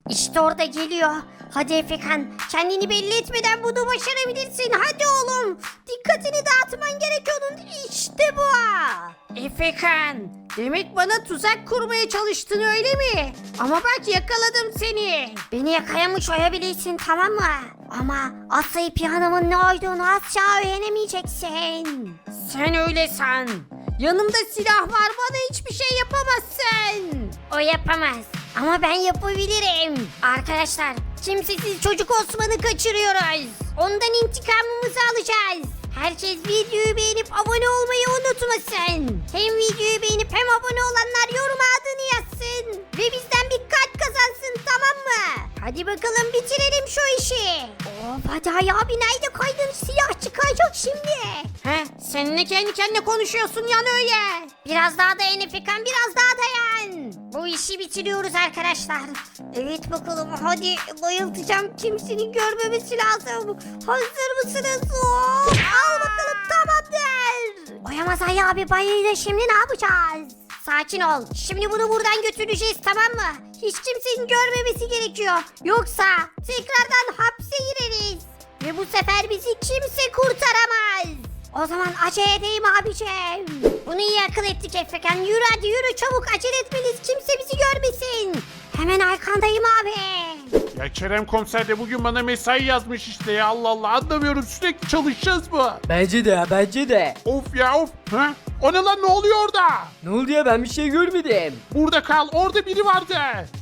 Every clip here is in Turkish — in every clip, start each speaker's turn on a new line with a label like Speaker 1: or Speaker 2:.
Speaker 1: İşte orada geliyor. Hadi Efekan, kendini belli etmeden bunu başarabilirsin. Hadi oğlum. Dikkatini dağıtman gerek onun. İşte bu. Efekan, demek bana tuzak kurmaya çalıştın öyle mi? Ama bak yakaladım seni. Beni yakalamış olabilirsin, tamam mı? Ama Aslı Piyanım'ın ne olduğunu asla öğrenemeyeceksin. Sen öyle san. Yanımda silah var, bana hiçbir şey yapamazsın. O yapamaz. Ama ben yapabilirim. Arkadaşlar, kimsesiz çocuk Osman'ı kaçırıyoruz. Ondan intikamımızı alacağız. Herkes videoyu beğenip abone olmayı unutmasın. Hem videoyu beğenip hem abone olanlar yoruma adını yazsın. Ve bizden bir kalp kazansın, tamam mı? Hadi bakalım bitirelim şu işi. Of hadi abi, nerede kaydın, silah çıkacak şimdi. Seninle kendi kendine konuşuyorsun yani öyle. Biraz daha dayan Efekan, biraz daha dayan. Bu işi bitiriyoruz arkadaşlar. Evet bakalım, hadi bayıltacağım, kimsenin görmemesi lazım. Hazır mısınız? Hop, al bakalım, tamamdır. Oyamaz Ali abi, bayıldı, şimdi ne yapacağız? Sakin ol. Şimdi bunu buradan götüreceğiz, tamam mı? Hiç kimsenin görmemesi gerekiyor. Yoksa tekrardan hapse gireriz. Ve bu sefer bizi kimse kurtaramaz. O zaman acele edeyim abicim. Bunu iyi akıl ettik Efekan. Yürü hadi yürü, çabuk acele etmeliyiz. Kimse bizi görmesin. Hemen arkandayım abi.
Speaker 2: Ya Kerem komiser de bugün bana mesai yazmış işte ya, Allah Allah, anlamıyorum, sürekli çalışacağız mı?
Speaker 3: Bence de ya, bence de.
Speaker 2: Of ya of. Ha? O ne lan, ne oluyor orada?
Speaker 3: Ne oldu ya, ben bir şey görmedim.
Speaker 2: Burada kal, orada biri vardı.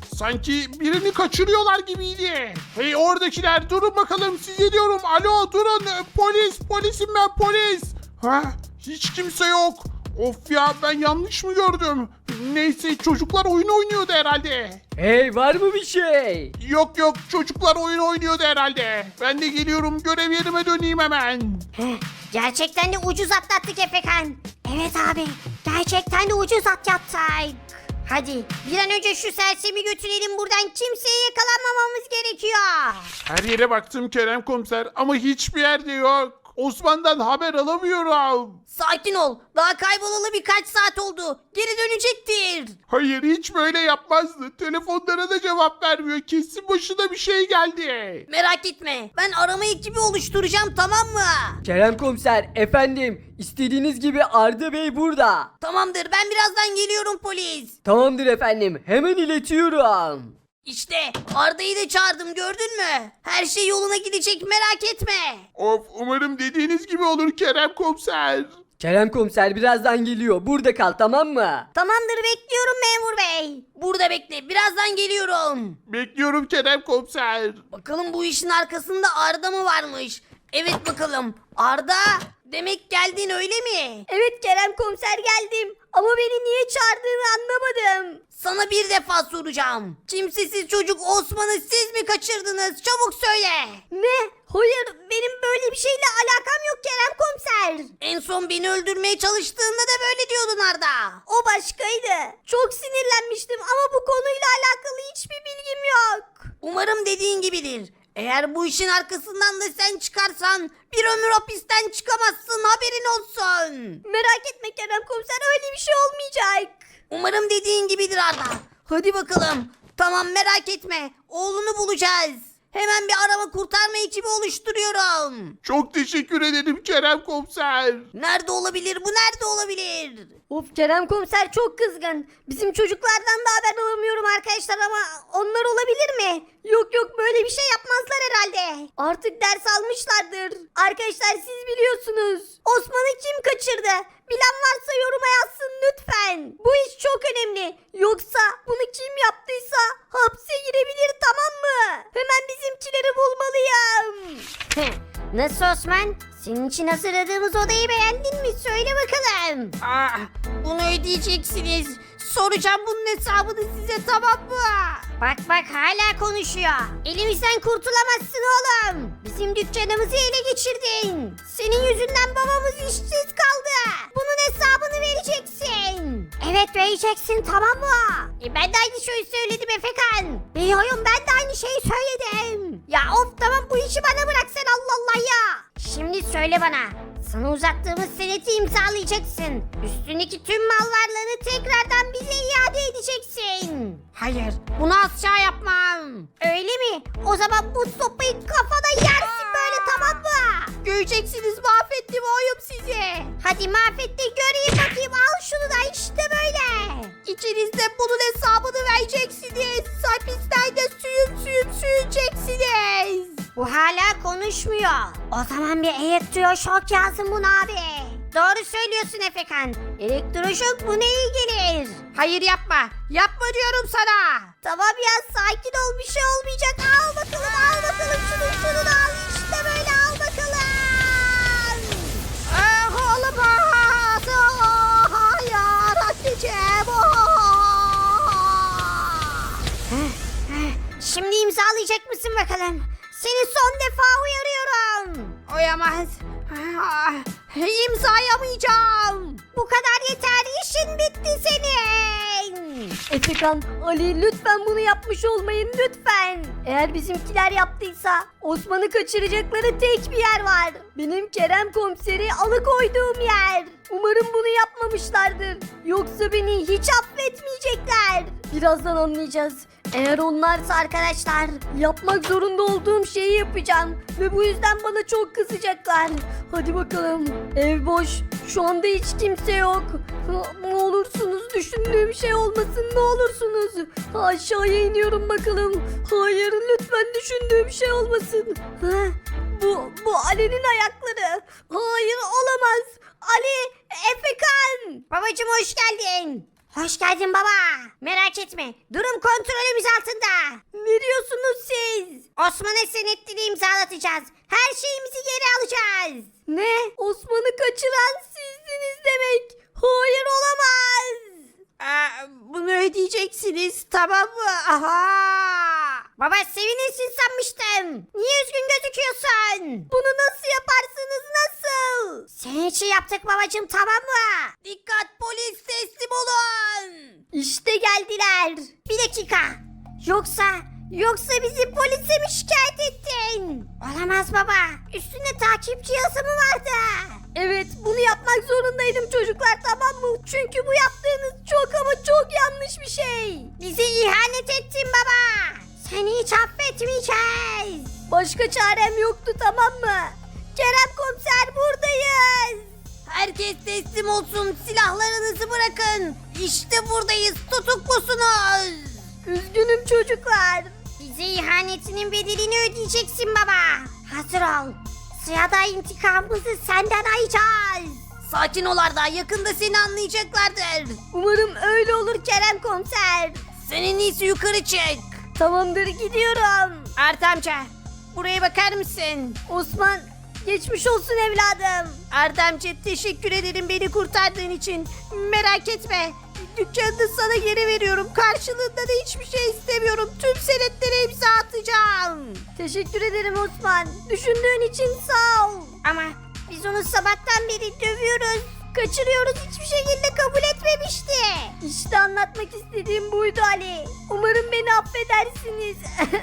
Speaker 2: Sanki birini kaçırıyorlar gibiydi. Hey oradakiler, durun bakalım, size diyorum, alo durun, polisim ben, polis. Ha? Hiç kimse yok. Of ya, ben yanlış mı gördüm? Neyse, çocuklar oyun oynuyordu herhalde.
Speaker 3: Hey, var mı bir şey?
Speaker 2: Yok çocuklar oyun oynuyordu herhalde. Ben de geliyorum, görev yerime döneyim hemen.
Speaker 1: Gerçekten de ucuz atlattık Efekan. Evet abi, gerçekten de ucuz atlattık. Hadi bir an önce şu sersemi götürelim buradan, kimseye yakalanmamamız gerekiyor.
Speaker 2: Her yere baktım Kerem komiser ama hiçbir yerde yok. Osman'dan haber alamıyorum.
Speaker 1: Sakin ol, daha kaybolalı birkaç saat oldu. Geri dönecektir.
Speaker 2: Hayır, hiç böyle yapmazdı. Telefonlara da cevap vermiyor. Kesin başına bir şey geldi.
Speaker 1: Merak etme, ben arama ekibi oluşturacağım, tamam mı?
Speaker 3: Kerem komiser, efendim, istediğiniz gibi Arda Bey burada.
Speaker 1: Tamamdır, ben birazdan geliyorum polis.
Speaker 3: Tamamdır efendim, hemen iletiyorum.
Speaker 1: İşte Arda'yı da çağırdım, gördün mü? Her şey yoluna gidecek, merak etme.
Speaker 2: Of, umarım dediğiniz gibi olur Kerem komiser.
Speaker 3: Kerem komiser birazdan geliyor, burada kal, tamam mı?
Speaker 1: Tamamdır, bekliyorum memur bey. Burada bekle, birazdan geliyorum.
Speaker 2: Bekliyorum Kerem komiser.
Speaker 1: Bakalım bu işin arkasında Arda mı varmış? Evet bakalım. Arda, demek geldin öyle mi? Evet Kerem komiser, geldim. Ama beni niye çağırdığını anlamadım. Sana bir defa soracağım. Kimsesiz çocuk Osman'ı siz mi kaçırdınız? Çabuk söyle. Ne? Hayır, benim böyle bir şeyle alakam yok Kerem komiser. En son beni öldürmeye çalıştığında da böyle diyordun Arda. O başkaydı. Çok sinirlenmiştim ama bu konuyla alakalı hiçbir bilgim yok. Umarım dediğin gibidir. Eğer bu işin arkasından da sen çıkarsan bir ömür hapisten çıkamazsın, haberin olsun. Merak etme Kerem komiser, öyle bir şey olmayacak. Umarım dediğin gibidir Arda. Hadi bakalım. Tamam, merak etme. Oğlunu bulacağız. Hemen bir arama kurtarma ekibi oluşturuyorum.
Speaker 2: Çok teşekkür ederim Kerem komiser.
Speaker 1: Nerede olabilir bu, nerede olabilir? Of, Kerem komiser çok kızgın. Bizim çocuklardan da haber alamıyorum arkadaşlar ama onlar olabilir mi? Yok böyle bir şey yapmazlar herhalde. Artık ders almışlardır. Arkadaşlar siz biliyorsunuz. Osman'ı kim kaçırdı? Bilen varsa yoruma yazsın lütfen. Bu iş çok önemli. Yoksa bunu kim yaptıysa hapse girebilir, tamam mı? Hemen bizimkileri bulmalıyım. Nasıl Osman? Senin için hazırladığımız odayı beğendin mi? Söyle bakalım. Bunu ödeyeceksiniz. Soracağım bunun hesabını size, tamam mı? Bak hala konuşuyor. Elimizden kurtulamazsın oğlum. Bizim dükkanımızı ele geçirdin. Senin yüzünden babamız işsiz kaldı. Bunun hesabını vereceksin. Evet, vereceksin, tamam mı? Ben de aynı şeyi söyledim Efekan. Biliyorum, ben de aynı şeyi söyledim. Ya of, tamam, bu işi bana bırak sen, Allah Allah ya. Şimdi söyle bana. Sana uzattığımız seneti imzalayacaksın. Üstündeki tüm mal varlığını tekrardan bize iade edeceksin. Hayır, bunu asla yapmam. Öyle mi? O zaman bu sopayı kafana yersin böyle, tamam mı? Göreceksiniz, mahvettim oğlum sizi. Hadi mahvet de göreyim bakayım, al şunu da, işte böyle. İçinizde bunun hesabını vereceksiniz. Hapislerde sürüneceksiniz. Bu hala konuşmuyor. O zaman bir elektroşok yazın buna abi. Doğru söylüyorsun Efekan. Elektroşok buna iyi gelir. Hayır yapma. Yapma diyorum sana. Tamam ya, sakin ol, bir şey olmayacak. Al bakalım, al bakalım, şunu da al. İşte böyle, al bakalım. Ah olamaz. Hayır anneciğim. Şimdi imzalayacak mısın bakalım? Seni son defa uyarıyorum. Oyamaz. İmzalayamayacağım. Bu kadar yeter, işin bitti senin.
Speaker 3: Efekan, Ali lütfen bunu yapmış olmayın lütfen. Eğer bizimkiler yaptıysa Osman'ı kaçıracakları tek bir yer var. Benim Kerem komiseri alıkoyduğum yer. Umarım bunu yapmamışlardır. Yoksa beni hiç affetmeyecekler. Birazdan anlayacağız. Eğer onlarsa arkadaşlar, yapmak zorunda olduğum şeyi yapacağım. Ve bu yüzden bana çok kızacaklar. Hadi bakalım. Ev boş. Şu anda hiç kimse yok. Ne olursunuz, düşündüğüm şey olmasın, ne olursunuz. Aşağıya iniyorum bakalım. Hayır, lütfen düşündüğüm şey olmasın. Bu Ali'nin ayakları. Hayır, olamaz. Ali, Efekan.
Speaker 1: Babacım hoş geldin. Hoş geldin baba. Merak etme, durum kontrolümüz altında.
Speaker 3: Ne diyorsunuz siz?
Speaker 1: Osman'a senetleri imzalatacağız. Her şeyimizi geri alacağız.
Speaker 3: Ne? Osman'ı kaçıran sizdiniz demek. Hayır, olamaz.
Speaker 1: Bunu ödeyeceksiniz, tamam mı? Aha. Baba, sevinirsin sanmıştım. Niye üzgün gözüküyorsun?
Speaker 3: Bunu nasıl yaparsınız, nasıl?
Speaker 1: Senin için yaptık babacım, tamam mı? Dikkat, polis teslim olun.
Speaker 3: İşte geldiler.
Speaker 1: Bir dakika. Yoksa bizi polise mi şikayet ettin? Olamaz baba. Üstünde takip cihazı mı vardı?
Speaker 3: Evet, bunu yapmak zorundaydım çocuklar, tamam mı? Çünkü bu yaptığınız çok ama çok yanlış bir şey.
Speaker 1: Bize ihanet ettin baba. Seni hiç affetmeyeceğiz.
Speaker 3: Başka çarem yoktu, tamam mı? Kerem komiser, buradayız.
Speaker 1: Herkes teslim olsun. Silahlarınızı bırakın. İşte buradayız. Tutuklusunuz.
Speaker 3: Üzgünüm çocuklar.
Speaker 1: Bize ihanetinin bedelini ödeyeceksin baba. Hazır ol. Sırada intikamımızı senden alacağız. Sakin ol Arda. Yakında seni anlayacaklardır.
Speaker 3: Umarım öyle olur Kerem komiser.
Speaker 1: Senin iyisi yukarı çık.
Speaker 3: Tamamdır, gidiyorum.
Speaker 1: Arda amca, buraya bakar mısın?
Speaker 3: Osman, geçmiş olsun evladım.
Speaker 1: Arda amca, teşekkür ederim beni kurtardığın için. Merak etme. Dükkanını sana geri veriyorum. Karşılığında da hiçbir şey istemiyorum. Tüm senetlere imza atacağım.
Speaker 3: Teşekkür ederim Osman. Düşündüğün için sağ ol.
Speaker 1: Ama biz onu sabahtan beri dövüyoruz. Kaçırıyoruz, hiçbir şekilde kabul etmemişti.
Speaker 3: İşte anlatmak istediğim buydu Ali. Umarım beni affedersiniz.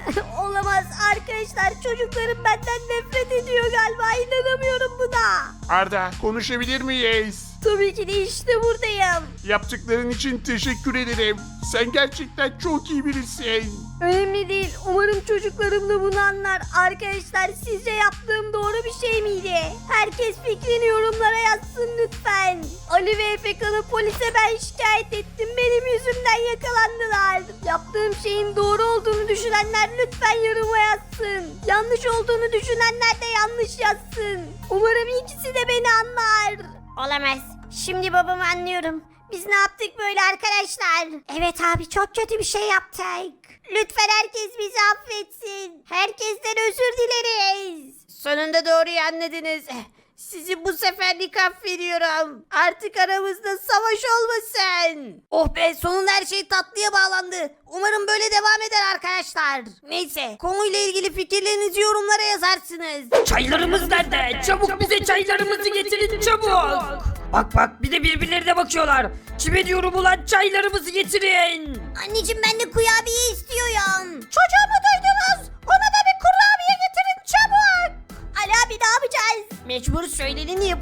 Speaker 3: Olamaz arkadaşlar, çocuklarım benden nefret ediyor galiba, inanamıyorum buna.
Speaker 2: Arda, konuşabilir miyiz?
Speaker 3: Tabii ki de işte buradayım.
Speaker 2: Yaptıkların için teşekkür ederim. Sen gerçekten çok iyi birisin.
Speaker 3: Önemli değil. Umarım çocuklarım da bunu anlar. Arkadaşlar, sizce yaptığım doğru bir şey miydi? Herkes fikrini yorumlara yazsın lütfen. Ali ve Efekan'ı polise ben şikayet ettim. Benim yüzümden yakalandılar. Yaptığım şeyin doğru olduğunu düşünenler lütfen yoruma yazsın. Yanlış olduğunu düşünenler de yanlış yazsın. Umarım ikisi de beni anlar.
Speaker 1: Olamaz. Şimdi babamı anlıyorum. Biz ne yaptık böyle arkadaşlar? Evet abi, çok kötü bir şey yaptık. Lütfen herkes bizi affetsin. Herkesten özür dileriz. Sonunda doğruyu anladınız. Sizi bu seferlik affediyorum. Artık aramızda savaş olmasın. Oh be, sonunda her şey tatlıya bağlandı. Umarım böyle devam eder arkadaşlar. Neyse, konuyla ilgili fikirlerinizi yorumlara yazarsınız.
Speaker 4: Çaylarımız nerede? Çabuk bize çaylarımızı getirin çabuk. Bak bir de birbirlerine bakıyorlar. Kime diyorum ulan, çaylarımızı getirin.
Speaker 1: Anneciğim, ben de kurabiye istiyorum. Çocuğumu duydunuz. Ona da bir kurabiye getirin çabuk. Ali abi, ne yapacağız? Mecbur, söyleneni yapacağız.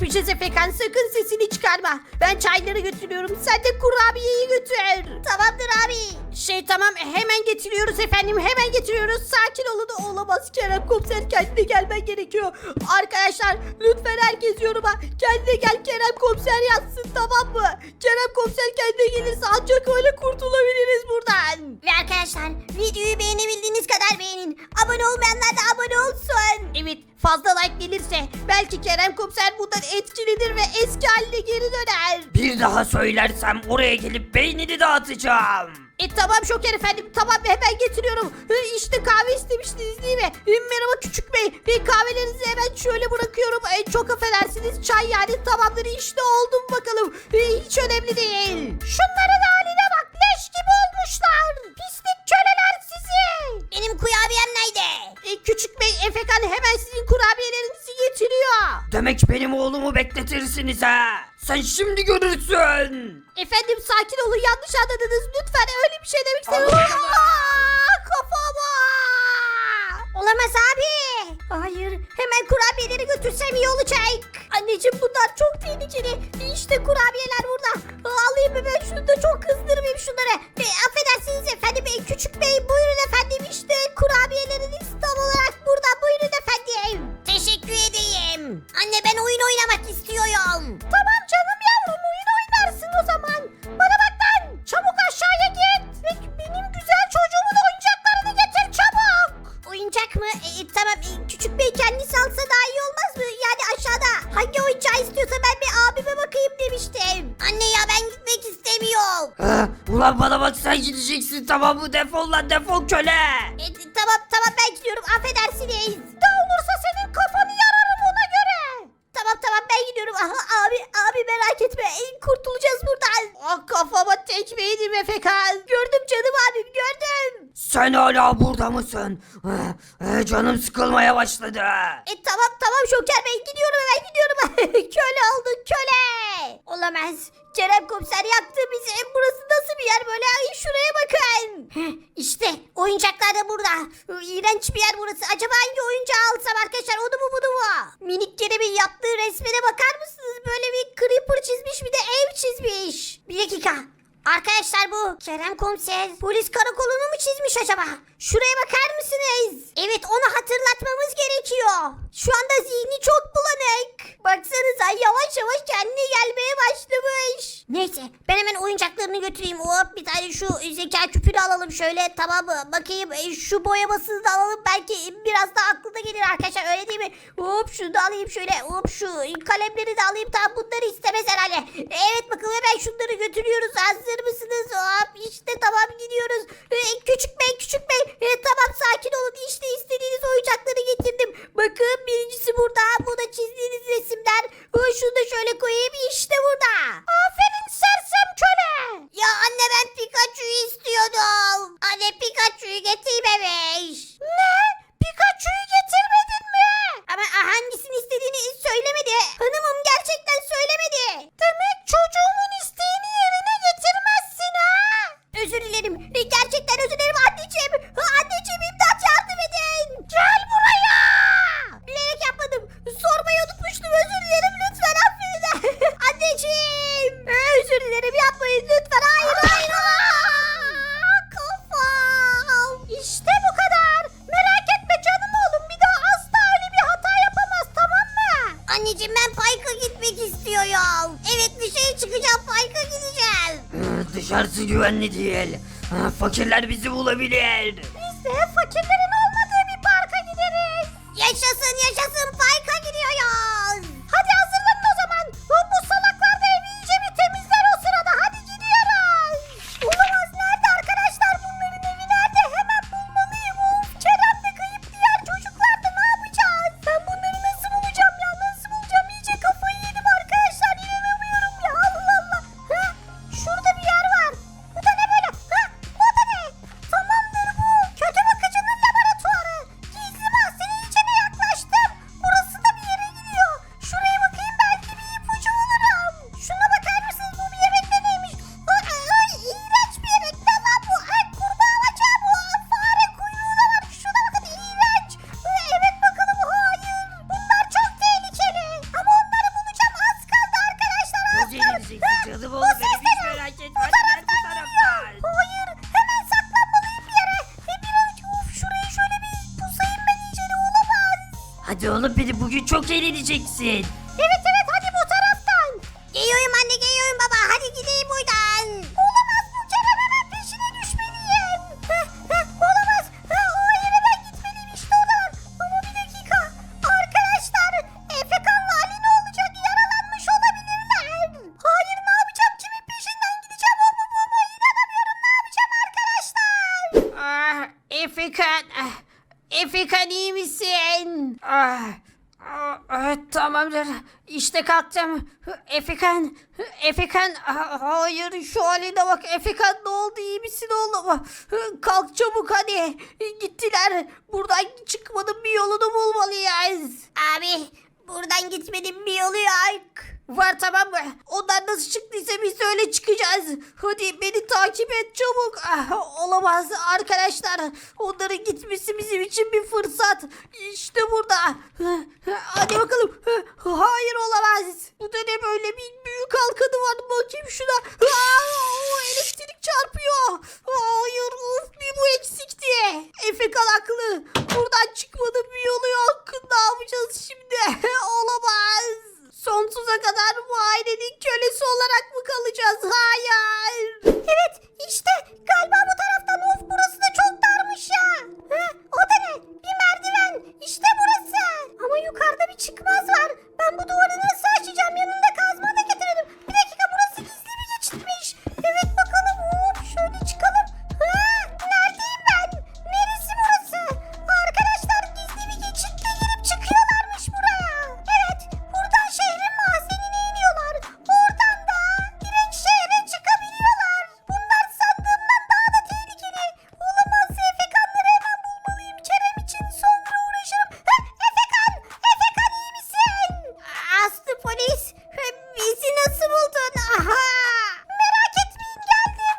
Speaker 1: yapacağız Efekan, sakın sesini çıkarma. Ben çayları götürüyorum, sen de kurabiyeyi götür. Tamamdır abi. Tamam, hemen getiriyoruz efendim, hemen getiriyoruz. Sakin olun. Olamaz, Kerem komiser kendine gelmen gerekiyor. Arkadaşlar lütfen herkes yoruma kendine gel Kerem komiser yazsın, tamam mı? Kerem komiser kendine gelirse ancak öyle kurtulabiliriz buradan. Ve arkadaşlar videoyu beğenebildiğiniz kadar beğenin. Abone olmayanlar da abone olsun. Evet, fazla like gelirse belki Kerem komiser bundan etkilenir ve eski haline geri döner.
Speaker 4: Bir daha söylersem oraya gelip beynini dağıtacağım.
Speaker 1: Tamam Şoker efendim, tamam, hemen getiriyorum. İşte kahve istemiştiniz değil mi? Merhaba küçük bey. Kahvelerinizi hemen şöyle bırakıyorum. Çok affedersiniz, çay yani, tamamdır, işte oldu mu bakalım. Hiç önemli değil. Şunların haline bak, leş gibi olmuşlar. Pislik köleler sizi. Benim kurabiyem nerede? Küçük bey, Efekan hemen sizin kurabiyelerinizi getiriyor.
Speaker 4: Demek benim oğlumu bekletirsiniz ha. Sen şimdi görürsün.
Speaker 1: Efendim sakin olun, yanlış anladınız. Lütfen öyle bir şey demek istemiyorum. Kafama. Olamaz abi. Hayır, hemen kurabiyeleri götürsem iyi olacak. Anneciğim bunlar çok tehlikeli. İşte kurabiyeler burada. Alayım mı ben şunu da, çok kızdırmayayım şunları. Affedersiniz efendim, küçük bey buyurun efendim, işte kurabiyeleriniz tam olarak burada, buyurun efendim. Teşekkür edeyim. Anne ben oyun oynamak istiyorum. Tamam canım yavrum, oyun oynarsın o zaman. Bana bak lan, çabuk aşağıya git. Ve benim güzel çocuğumun oyuncaklarını getir çabuk. Oyuncak mı? Tamam, küçük bey kendisi alsa daha iyi olmaz mı? Yani aşağıda hangi oyuncağı istiyorsa ben bir abime bakayım demiştim. Anne ya ben gitmek istemiyorum.
Speaker 4: Ulan bana bak, sen gideceksin, tamam mı? Defol lan, defol köle.
Speaker 1: Tamam ben gidiyorum, affedersiniz. Ne olursa senin kafanı yararım ona göre. Tamam ben gidiyorum. Aha, abi merak etme, kurtulacağız buradan. Kafama tekme yedim Efekan. Gördüm canım abim, gördüm.
Speaker 4: Sen hala burada mısın? Canım sıkılmaya başladı.
Speaker 1: Tamam Şoker Bey, gidiyorum, hemen gidiyorum. Köle oldun, köle. Olamaz. Kerem komiser yaktı bizi. Burası nasıl bir yer böyle? Ay, şuraya bakın. İşte oyuncaklar da burada. İğrenç bir yer burası. Acaba hangi oyuncağı alsam arkadaşlar? Onu mu bunu mu? Minik Kerem'in yaptığı resmine bakar mısınız? Böyle bir creeper çizmiş, bir de ev çizmiş. Bir dakika. Arkadaşlar bu Kerem komiser polis karakolunu mu çizmiş acaba? Şuraya bakar mısınız? Evet, onu hatırlatmamız gerekiyor. Şu anda zihni çok bulanık. Baksanıza yavaş yavaş kendine gelmeye başlamış. Neyse ben hemen oyuncaklarını götüreyim. Hop, bir tane şu zeka küpünü alalım şöyle, tamam mı? Bakayım şu boyamasını da alalım. Belki biraz daha aklına gelir arkadaşlar, öyle değil mi? Hop şunu da alayım şöyle. Hop şu kalemleri de alayım. Tamam, bunları istemez herhalde. Evet bakalım, hemen şunları götürüyoruz. Hazır mısınız? Hop işte tamam, gidiyoruz. Küçük bey tamam sakin olun, işte istediğiniz oyuncakları getirdim. Bakın birincisi burada, bu da çizdiğiniz resimler. Şunu da şöyle koyayım, işte burada. Aferin sersem köle. Ya anne ben Pikachu'yu istiyordum. Anne Pikachu'yu getirmemiş. Ne? Pikachu'yu getirmedin mi? Ama hangisini istediğini söylemedi. Hanımım gerçekten söylemedi. Demek çocuğumun isteğini yerine getirmezsin ha? Özür dilerim. Gerçekten özür dilerim anneciğim. Anneciğim imdat, yardım edin. Gel buraya. Bilerek yapmadım. Sormayı unutmuştum. Özür dilerim. Lütfen affedin. Anneciğim. Özür dilerim, yapmayın lütfen. Hayır. Kafam. İşte bu kadar. Merak etme canım oğlum. Bir daha asla öyle bir hata yapamaz, tamam mı? Anneciğim ben parka gitmek istiyorum. Evet, dışarı çıkacağım, parka gideceğim.
Speaker 4: Dışarısı güvenli değil. Fakirler bizi bulabilir.
Speaker 1: Biz de fakirlerin olmadığı bir parka gideriz. Yaşasın parka gidiyoruz. Hadi hazırlanın o zaman. Bu salaklar da evi iyice bir temizler o sırada. Hadi gidiyoruz. Olamaz, nerede arkadaşlar, bunların evi nerede? Hemen bulmalıyım. Of, Kerem de kayıp, diğer çocuklar da ne yapacağız? Ben bunları nasıl bulacağım ya? Nasıl bulacağım? İyice kafayı yedim arkadaşlar. İnanamıyorum ya. Allah. Şurada bir yer var. Bu da ne böyle? O da ne? Tamamdır bu. Kötü bakıcının laboratuvarı.
Speaker 4: Hadi oğlum beni bugün çok eğleneceksin.
Speaker 1: Evet evet hadi bu taraftan. Geliyorum anne geliyorum baba hadi gideyim buradan. Olamaz bu Kerem hemen peşine düşmeliyim. Olamaz. Hayır hemen gitmeliyim işte oradan. Ama bir dakika. Arkadaşlar Efekan'la Ali ne olacak yaralanmış olabilirler. Hayır ne yapacağım kimin peşinden gideceğim o mu bu mu inanamıyorum ne yapacağım arkadaşlar. Efekan. Efekan iyi misin? Tamamdır. İşte kalktım. Efekan. Hayır şu haline bak. Efekan ne oldu? İyi misin oğlum? Kalk çabuk hadi. Gittiler. Buradan çıkmanın bir yolunu bulmalıyız. Abi buradan gitmenin bir yolu yok. Var tamam mı? Onlar nasıl çıktıysa biz de öyle çıkacağız. Hadi beni takip et çabuk. Olamaz arkadaşlar. Onların gitmesi bizim için bir fırsat. İşte burada. Hadi bakalım. Hayır olamaz. Bu da ne böyle bir büyük halkanı var. Bakayım şuna. Elektrik çarpıyor. Hayır of bir bu eksikti. Efekan haklı. Buradan çıkmanın bir yolu yok. Ne yapacağız şimdi? Olamaz. Sonsuza kadar bu ailenin kölesi olarak mı kalacağız? Hayır. Evet işte galiba bu taraftan of burası da çok darmış ya. O da ne? Bir merdiven. İşte burası. Ama yukarıda bir çıkmaz var. Ben bu duvarı nasıl açacağım? Yanımda kazma da getirelim. Bir dakika burası gizli bir geçitmiş. Evet bakalım. Hop şöyle çıkalım. Neredeyim ben? Neresi burası? Arkadaşlar gizli bir geçitle girip çıkıyorlarmış buraya. Evet buradan şehrin mahzenine iniyorlar. Oradan da direkt şehre çıkabiliyorlar. Bunlar sandığımdan daha da tehlikeli. Olamaz Efekanları hemen bulmalıyım. Kerem için sonra uğraşırım. Efekan! Efekan iyi misin? Aslı polis. Bizi nasıl buldun? Aha! Merak etmeyin geldim.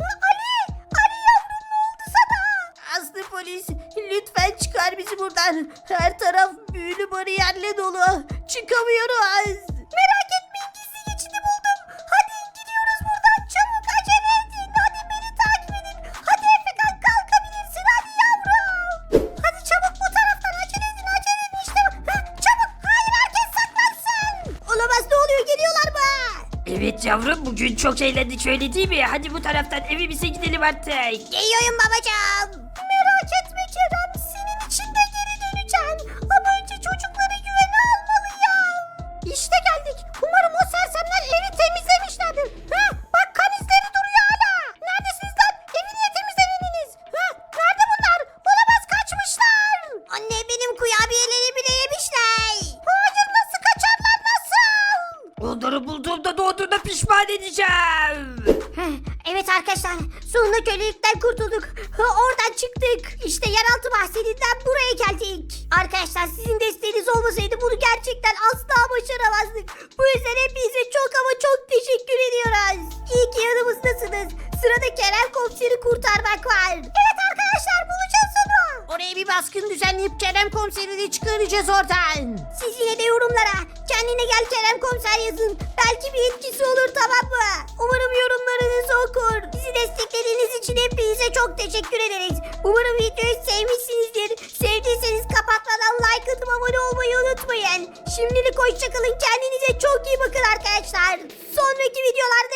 Speaker 1: Ali yavrum ne oldu sana? Aslı polis lütfen çıkar bizi buradan. Her taraf büyülü bariyerle dolu. Çıkamıyoruz. Merak etmeyin gizli geçidi buldum. Hadi gidiyoruz buradan çabuk acele edin. Hadi beni takip edin. Hadi Efekan kalkabilirsin hadi yavrum. Hadi çabuk bu taraftan acele edin işte. Çabuk hayır herkes saklansın. Olamaz ne oluyor geliyorlar mı?
Speaker 4: Evet yavrum bugün çok eğlendik öyle değil mi? Hadi bu taraftan evimize gidelim artık.
Speaker 1: Geliyorum babacığım. Merak etme Kerem senin için de geri döneceğim. Ama önce çocukları güvene almalıyım. İşte geldik. Umarım o sersemler evi temizlemişlerdir. Bak kan izleri duruyor hala. Neredesiniz lan? Evi niye temizlemediniz? Nerede bunlar? Olamaz kaçmışlar. Anne benim kurabiyelerimi de yemişler. Hayır nasıl kaçarlar nasıl?
Speaker 4: Onları bulduğumda doğduğunda pişman edeceğim.
Speaker 1: Evet arkadaşlar sonunda kölelikten kurtulduk. Oradan çıktık. İşte yeraltı mahzeninden buraya geldik. Arkadaşlar sizin desteğiniz olmasaydı bunu gerçekten asla başaramazdık. Bu yüzden hepinize çok ama çok teşekkür ediyoruz. İyi ki yanımızdasınız. Sırada Kerem Komiser'i kurtarmak var. Evet arkadaşlar bulacağız onu. Oraya bir baskın düzenleyip Kerem Komiser'i de çıkaracağız oradan. Siz yine de yorumlara kendine gel Kerem Komiser yazın. Belki bir etkisi olur tamam mı? Umarım yorumlarınızı okur. Bizi desteklediğiniz için hepinize çok teşekkür ederiz. Umarım videoyu sevmişsinizdir. Sevdiyseniz kapatmadan like atıp abone olmayı unutmayın. Şimdilik hoşçakalın. Kendinize çok iyi bakın arkadaşlar. Sonraki videolarda